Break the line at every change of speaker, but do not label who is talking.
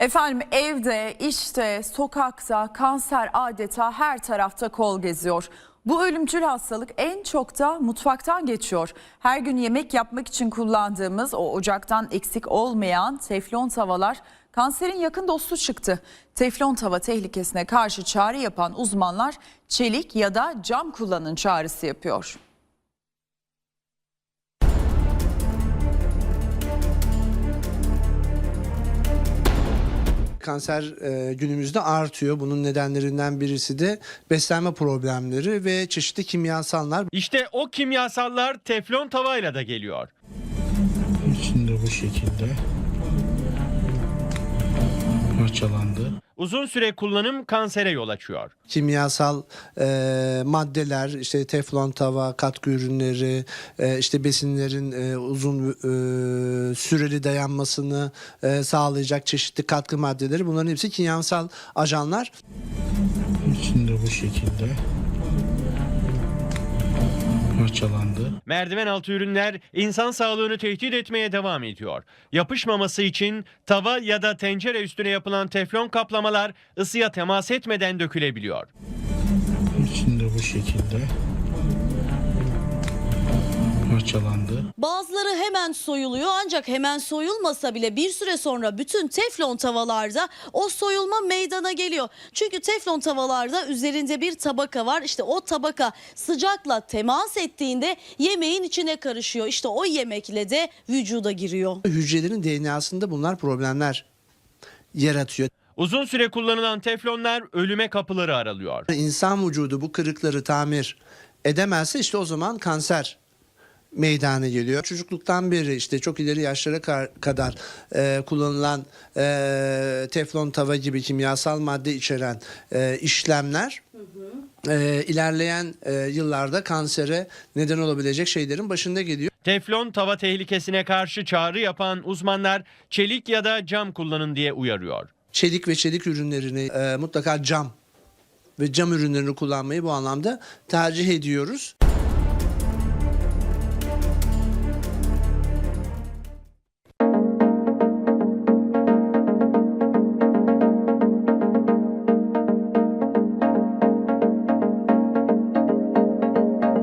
Efendim evde, işte, sokakta kanser adeta her tarafta kol geziyor. Bu ölümcül hastalık en çok da mutfaktan geçiyor. Her gün yemek yapmak için kullandığımız o ocaktan eksik olmayan teflon tavalar kanserin yakın dostu çıktı. Teflon tava tehlikesine karşı çağrı yapan uzmanlar çelik ya da cam kullanın çağrısı yapıyor.
Kanser günümüzde artıyor. Bunun nedenlerinden birisi de beslenme problemleri ve çeşitli kimyasallar.
İşte o kimyasallar teflon tavayla da geliyor.
İçinde bu şekilde parçalandı.
Uzun süre kullanım kansere yol açıyor.
Kimyasal maddeler, işte teflon tava, katkı ürünleri, işte besinlerin uzun süreli dayanmasını sağlayacak çeşitli katkı maddeleri. Bunların hepsi kimyasal ajanlar.
İçinde bu şekilde parçalandı.
Merdiven altı ürünler insan sağlığını tehdit etmeye devam ediyor. Yapışmaması için tava ya da tencere üstüne yapılan teflon kaplamalar ısıya temas etmeden dökülebiliyor.
İçinde bu şekilde parçalandı.
Bazıları hemen soyuluyor ancak hemen soyulmasa bile bir süre sonra bütün teflon tavalarda o soyulma meydana geliyor. Çünkü teflon tavalarda üzerinde bir tabaka var. İşte o tabaka sıcakla temas ettiğinde yemeğin içine karışıyor. İşte o yemekle de vücuda giriyor.
Hücrelerin DNA'sında bunlar problemler yaratıyor.
Uzun süre kullanılan teflonlar ölüme kapıları aralıyor.
İnsan vücudu bu kırıkları tamir edemezse işte o zaman kanser meydana geliyor. Çocukluktan beri işte çok ileri yaşlara kadar kullanılan teflon tava gibi kimyasal madde içeren işlemler ilerleyen yıllarda kansere neden olabilecek şeylerin başında geliyor.
Teflon tava tehlikesine karşı çağrı yapan uzmanlar çelik ya da cam kullanın diye uyarıyor.
Çelik ve çelik ürünlerini mutlaka cam ve cam ürünlerini kullanmayı bu anlamda tercih ediyoruz.